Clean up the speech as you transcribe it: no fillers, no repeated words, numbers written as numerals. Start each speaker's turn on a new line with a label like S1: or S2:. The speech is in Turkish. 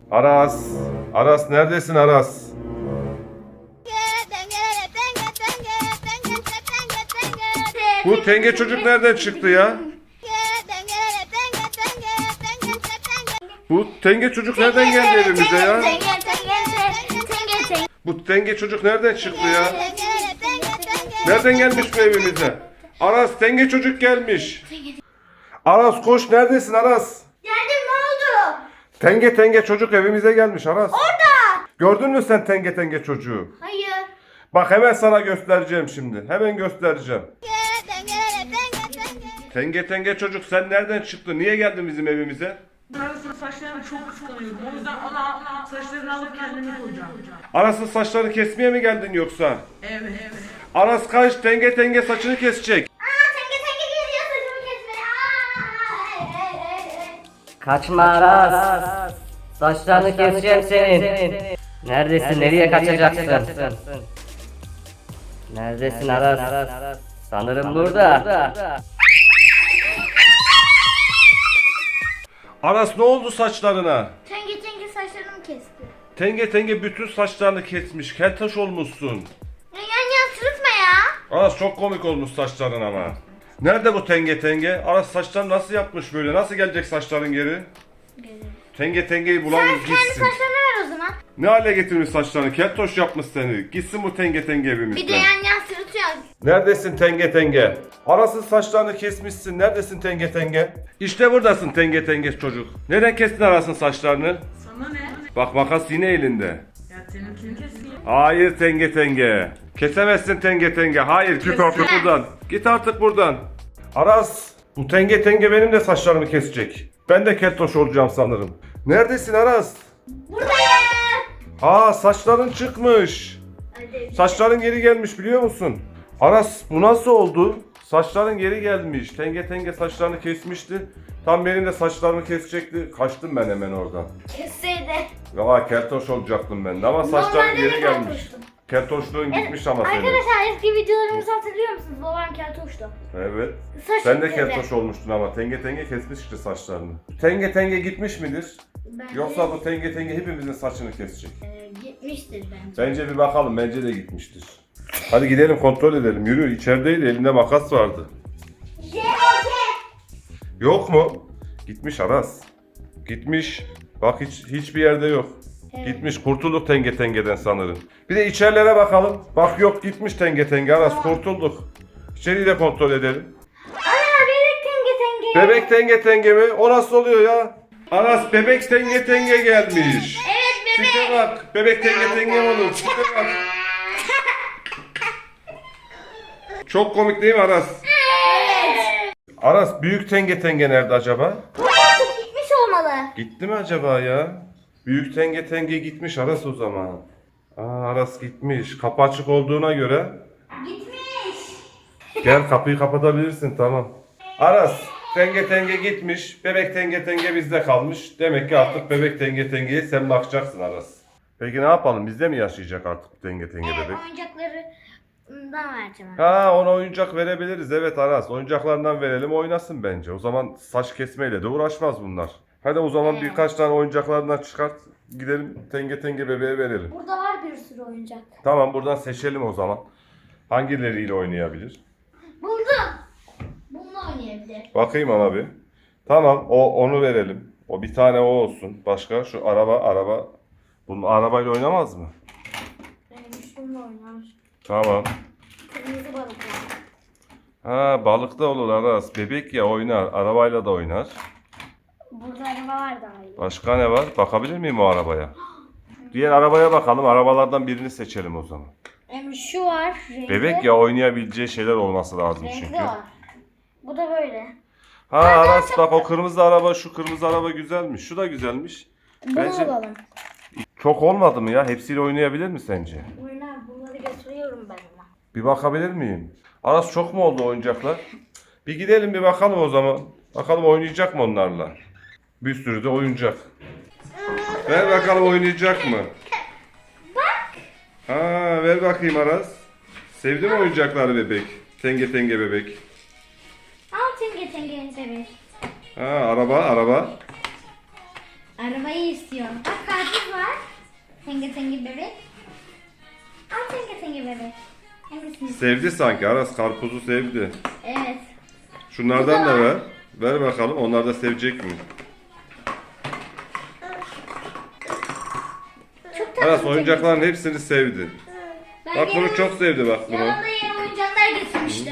S1: Aras. Aras neredesin Aras? Bu tenge çocuk nereden çıktı ya? Bu tenge çocuk nereden geldi evimize ya? Bu tenge çocuk nereden çıktı ya? Nereden gelmiş bu evimize? Aras tenge çocuk gelmiş. Aras koş neredesin Aras?
S2: Geldim, ne oldu?
S1: Tenge çocuk evimize gelmiş Aras.
S2: Orada.
S1: Gördün mü sen tenge çocuğu?
S2: Hayır.
S1: Bak hemen sana göstereceğim şimdi. Hemen göstereceğim. Tenge çocuk sen nereden çıktın? Niye geldin bizim evimize?
S3: Aras'ın saçlarını çok kıskanıyorum. O yüzden ona saçlarını alıp kendime koyacağım.
S1: Aras'ın saçlarını kesmeye mi geldin yoksa?
S3: Evet.
S1: Aras kaç tenge saçını kesecek.
S2: Tenge geliyor saçımı kesmeye.
S4: Kaçma Aras. Saçlarını keseceğim senin. Neredesin? Nereye kaçacaksın? Neredesin Aras? Sanırım burada.
S1: Aras ne oldu saçlarına?
S2: Tenge saçlarımı kesti.
S1: Tenge bütün saçlarını kesmiş. Keltaş olmuşsun.
S2: Yan sırıtma ya.
S1: Aras çok komik olmuş saçların ama. Nerede bu tenge? Aras saçlarını nasıl yapmış böyle? Nasıl gelecek saçların geri? Tengeyi bulalım
S2: Sen kendi
S1: gitsin.
S2: saçlarını ver o zaman.
S1: Ne hale getirmiş saçlarını? Keltoş yapmış seni. Gitsin bu tenge evimizden.
S2: Bir de yan sırıtıyor.
S1: Neredesin tenge? Aras'ın saçlarını kesmişsin. Neredesin tenge? İşte buradasın tenge çocuk. Neden kestin Aras'ın saçlarını?
S3: Sana ne?
S1: Bak makas yine elinde.
S3: Ya seninkini keseyim.
S1: Hayır tenge. Kesemezsin tenge. Hayır git artık buradan. Git artık buradan. Aras bu tenge benim de saçlarımı kesecek. Ben de keltoş olacağım sanırım. Neredesin Aras?
S2: Buradayım.
S1: Aa saçların çıkmış. Saçların geri gelmiş biliyor musun? Aras bu nasıl oldu? Saçların geri gelmiş. Tenge saçlarını kesmişti. Tam benim de saçlarımı kesecekti. Kaçtım ben hemen oradan.
S2: Kesseydi.
S1: Ya keltoş olacaktım ben de ama saçların
S2: Normalde
S1: geri
S2: de
S1: gelmiş.
S2: keltoştum.
S1: Keltoşluğun gitmiş ama senin.
S2: Arkadaşlar eski videolarımızı hatırlıyor musunuz? Babam keltoştu.
S1: Evet.
S2: Saç
S1: Sen de
S2: gitmedi.
S1: keltoş olmuştun ama tenge kesmişti saçlarını. Tenge gitmiş midir? Yoksa bu tenge hepimizin saçını kesecek.
S2: Gitmiştir bence.
S1: Bence bir bakalım. Bence de gitmiştir. Hadi gidelim kontrol edelim. Yürü içerideydi. Elinde makas vardı. Yok mu? Gitmiş Aras. Gitmiş. Bak hiçbir yerde yok.
S2: Evet.
S1: Gitmiş. Kurtulduk tengeden sanırım. Bir de içerilere bakalım. Bak yok gitmiş tenge Aras kurtulduk. İçeriği de kontrol edelim.
S2: Ana bebek tenge.
S1: Bebek tenge mi? O nasıl oluyor ya? Aras bebek tenge gelmiş.
S2: Evet bebek.
S1: Tipe bak. Bebek tenge olur. Tipe bak. Çok komik değil mi Aras?
S2: Evet.
S1: Aras büyük tenge nerede acaba?
S2: Gitmiş olmalı.
S1: Gitti mi acaba ya? Büyük tenge gitmiş Aras o zaman. Aras gitmiş. Kapı açık olduğuna göre.
S2: Gitmiş.
S1: Gel kapıyı kapatabilirsin tamam. Aras tenge gitmiş. Bebek tenge bizde kalmış. Demek ki artık bebek tengeye sen bakacaksın Aras. Peki ne yapalım? Bizde mi yaşayacak artık tenge
S2: Evet
S1: bebek?
S2: oyuncaklarından vereceğim.
S1: Ona oyuncak verebiliriz. Evet Aras oyuncaklarından verelim oynasın bence. O zaman saç kesmeyle de uğraşmaz bunlar. Hadi o zaman birkaç tane oyuncaklarından çıkart. Gidelim tenge bebeğe verelim.
S2: Burada var bir sürü oyuncak.
S1: Tamam buradan seçelim o zaman. Hangileriyle oynayabilir?
S2: Buldum. Bununla oynayabilir.
S1: Bakayım ama bir. Tamam onu verelim. O bir tane o olsun. Başka şu araba. Bunun arabayla oynamaz mı?
S2: Şununla oynar.
S1: Tamam.
S2: Kırmızı balık
S1: Balık da olur Aras. Bebek ya oynar. Arabayla da oynar.
S2: Burada araba var daha iyi.
S1: Başka ne var? Bakabilir miyim o arabaya? Diğer arabaya bakalım. Arabalardan birini seçelim o zaman.
S2: Şu var. Renkli.
S1: Bebek ya oynayabileceği şeyler olması lazım
S2: Renkli
S1: çünkü.
S2: var. Bu da böyle.
S1: Aras bak o kırmızı araba şu kırmızı araba güzelmiş. Şu da güzelmiş.
S2: Bunu alalım.
S1: Çok olmadı mı ya? Hepsiyle oynayabilir mi sence?
S2: Oynar. Bunları götürüyorum ben ona.
S1: Bir bakabilir miyim? Aras çok mu oldu oyuncaklar? Bir gidelim bir bakalım o zaman. Bakalım oynayacak mı onlarla? Bir sürü de oyuncak. Ver bakalım oynayacak mı?
S2: Bak.
S1: Ver bakayım Aras. Sevdi mi oyuncakları bebek? Tenge bebek.
S2: Al tenge bebek.
S1: Araba.
S2: Arabayı istiyorum. Bak Tenge tenge bebek. Al tenge tenge bebek. Hangisini?
S1: Sevdi sanki Aras, karpuzu sevdi.
S2: Evet.
S1: Şunlardan da ver. Ver bakalım, onlar da sevecek mi?
S2: Çok tatlı.
S1: Aras oyuncakların hepsini sevdi.
S2: Ben
S1: Bak bunu
S2: yanıma-
S1: çok sevdi bak bunu.
S2: Yanımda yeni oyuncaklar getirmiştim.